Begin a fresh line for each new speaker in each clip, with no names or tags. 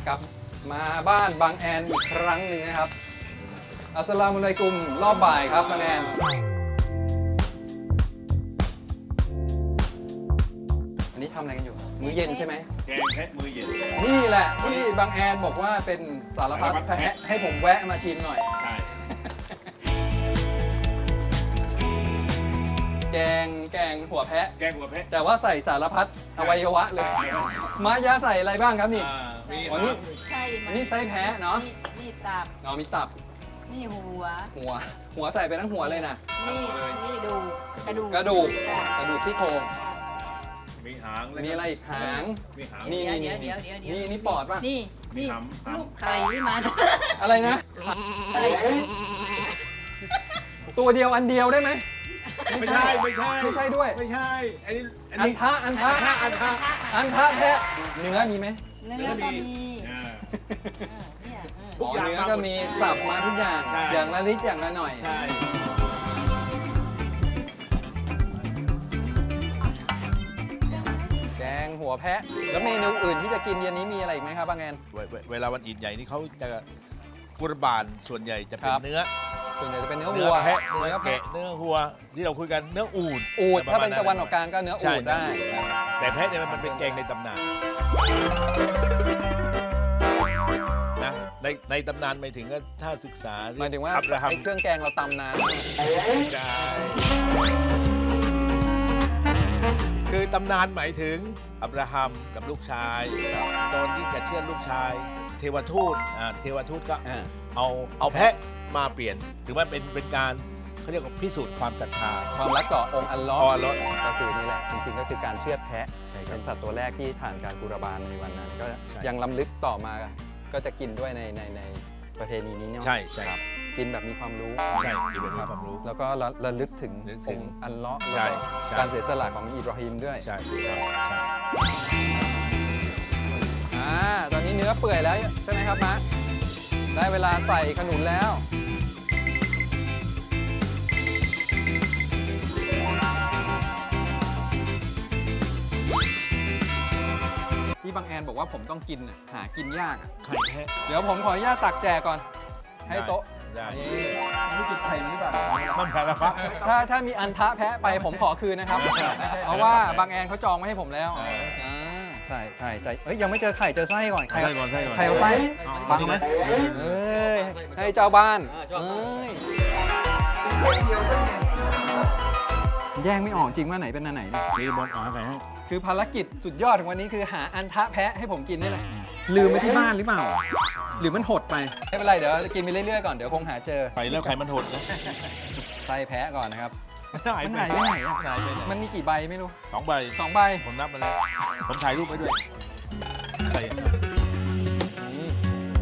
กลับมาบ้านบางแอนอีกครั้งหนึ่งนะครับอัสสลามุอะลัยกุมรอบบ่ายครับบางแอนอันนี้ทำอะไรกันอยู่มื้อเย็นใช่ไหม
แกงแพะมือเย็น
นี่แหละที่บางแอนบอกว่าเป็นสารพัดแพะให้ผมแวะมาชิมหน่อย
ใช่
แกงหัวแพะ
แกงหัวแพะ
แต่ว่าใส่สารพัดอวัยวะเลยมายาใส่อะไรบ้างครับนี่
มี
วันนี้
ใช่มั
อันนี้ไส้แพะเนาะ
นี่ตับ
เนาะมีตับ
นี่หัว
หัวใส่ไปทั้งหัวเลยนะ
นี่ดูกระดูก
กระดูก
ค่ะ
กระดูกซี่โครง
มีหาง
มีอะไรอีกหาง
มีหาง
นี่
เดี๋ยว
นี่ปอดป่ะ
นี่
มี
นี่
หำ
ลูกไข่ที่มัน
อะไรนะ
ไข่
ตัวเดียวอันเดียวได้ไหม
ไม่ใช่ไม่ใช่
ไม่ใช่ด้วย
ไม่ใช่อันนี้
อันทะแพะเนื้อมีไหม
เนื้อก็มี
อ่า
เนี่ย
ทุกอย่าง
เนื้อก็มีสับมาทุกอย่าง
ใช่
อย่างละนิดอย่างละหน่อย
ใช่
แกงหัวแพะ แล้วเมนูอื่นที่จะกินเย็นนี้มีอะไรอีกไหมครับบางแอน
เวลาวันอีดใหญ่นี่เขาจะกุรบานส่วนใหญ่จะเป็
คน รับ
เนื้อ
ส่วนใหญ่จะเป็นเนื้อ
เนื้
วั
อ
ว
แพะเนื้อแกะเนื้อวัวที่เราคุยกันเนื้ออูฐ
อูด
ป
ถ้า
ระม
เป็
ณ
นตะวันออกกลางก็เนื้อ
ใช่
อูดได้
แต่แพะเนี่ยมันเป็นแกงในตำนานนะในตำนานหมายถึงก็ถ้าศึกษา
หมายถึงว่า
อับราฮัม
ไอ้เครื่องแกงเราตำนาน
ไม่ใช่คือตำนานหมายถึงอับราฮัมกับลูกชายตอนที่จะเชื่อลูกชาย เทวทูตเทวทูตก็
อ่า
เอาแพะมาเปลี่ยนถือว่าเป็นการเขาเรียกว่าพิสูจน์ความศรัทธา
ความรักต่อองค์อัลเลอฮ์
อัลเลาะห์
ก็คือนี่แหละ จริงๆก็คือการเชือดแพะ
ใช่ครับ
เป็นสัตว์ตัวแรกที่ผ่านการกุรบานในวันนั้น ก็
ใช่
ยังล้ำลึกต่อมาก็จะกินด้วยในประเพณีนี้เนาะ
ใช่ใช่
ครับกินแบบมีความรู้
ใช่ที่เป็นความรู้
แล้วก็ระลึกถึง
นึก
อ
ถึ
ง
ง
ค์อัลเลอฮ์
ใช่
แล้วก็
ใช่
การเสียสละของอิบราฮิมด้วย
ใช่ครับใช่
ตอนนี้เนื้อเปื่อยแล้วใช่ไหมครับมะได้เวลาใส่ขนุนแล้ว ที่บางแอนบอกว่าผมต้องกินน่ะหากินยากอ่ะ
ไข่แพะ
เดี๋ยวผมขออนุญาตตักแจกก่อน ให้โต๊ะ
ได้
นี่ไม่รู้กินไข่หรือเปล่า
มันสารพัด
ถ้ามีอันทะแพะไปผมขอคืนนะครับ เพราะว่าบางแอนเขาจองไว้ให้ผมแล้วใช่เอ้ยยังไม่เจอไข่เจอไส้ก่อน
ไส้ก่อนไส้ก่อน
ไข่เอาไส้บังไหมเอ้ยให้เจ้าบ้านเอ้ยแย่งไม่ออกจริงว่าไหนเป็นอันไหนเนี่ย
นี่บอลหาไข่ให้
คือภารกิจสุดยอดของวันนี้คือหาอันทะแพะให้ผมกินนี่แหละลืมไปที่บ้านหรือเปล่า หรือมันหดไปไม่เป็นไรเดี๋ยวกินไปเรื่อยๆก่อนเดี๋ยวคงหาเจอ
ไข่แล้วไข่มันหดนะ
ไส้แพะก่อนนะครับ
หาย
มัน
ไป
หายไปไหนอะ
หายไปไหน
มันมีกี่ใบไม่รู้
2 ใบ
2 ใบ
ผมนับมาแล้วผมถ่ายรูปไว้ด้วยไข่
อืม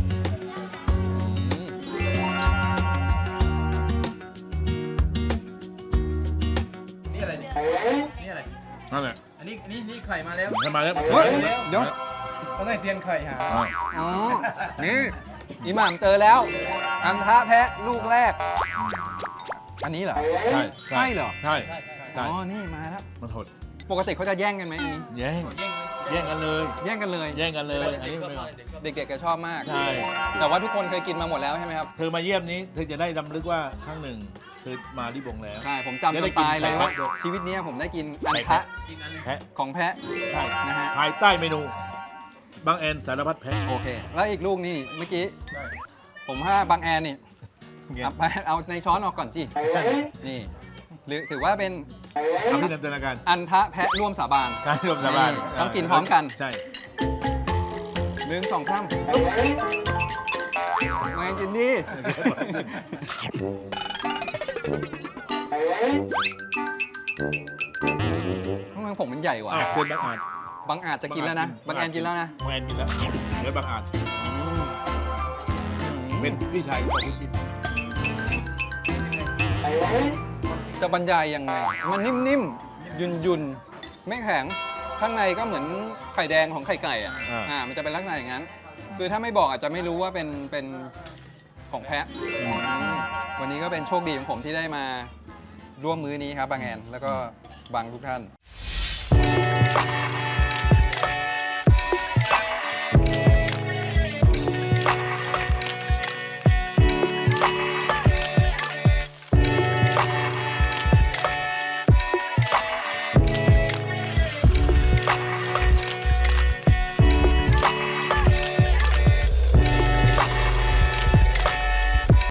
นี่อะไรเนี่ยนี่อะไร
นั่นแหละ
อันนี้นี่ไข่มาแล้ว
ทำมาแล้ว
เฮ้ยเดี๋ยวต้องให้เซียนไข่หาอ๋อ นี่อิหม่ามเจอแล้ว อันทะแพะลูกแรก อันนี้เหรอ
ใช่
ใช่เหรอ
ใช่
อ๋
ใช่
อ นี่มาแล้ว
มันหด
ปกติเขาจะแย่งกันไหมอันนี้
แย่งกันเลย
แย่งกันเลย
แย่งกันเลยอันนี้ไม่เอา
เด็กๆก็ชอบมาก
ใช่
แต่ว่าทุกคนเคยกินมาหมดแล้วใช่ไหมครับ
เธอมาเยี่ยมนี้เธอจะได้รำลึกว่าครั้งหนึ่งเธอมาลิบงแล้ว
ใช่ ผมจำจนตายเลยว่า
ไข่แพะ
ชีวิตเนี้ยผมได้กินอันทะ
แพะ
ของแพะ
ใช่
นะฮะ
ภายใต้เมนูบางแอนสารพัดแพะ
โอเค แล้วอีกลูกนี่เมื่อกี้ ผมว่าบางแอนนี่เอาในช้อนออกก่อนจินี่ หรือถือว่าเป็น
ทำที่นันตนาการ
อันทะแพะร่วมสาบาน
การรวมสาบาน
ต้องกินพร้อมกัน
ใช่
1 2 3มากินดิทำไมผมมันใหญ่กว่า
เกินบางอาจ
บางอาจจะกินแล้วนะ บางแอนกินแล้วนะ
บางแอนกินแล้วเหลือบางอาจเป็นพี่ชายของพี่ชิน
จะบรรยายยังไง มันนิ่มๆ ยุ่นๆ ไม่แข็ง ข้างในก็เหมือนไข่แดงของไข่ไก่อ่ะ มันจะเป็นลักษณะอย่างนั้น คือถ้าไม่บอกอาจจะไม่รู้ว่าเป็นของแพะ วันนี้ก็เป็นโชคดีของผมที่ได้มาร่วมมื้อนี้ครับบางแอน แล้วก็บางทุกท่าน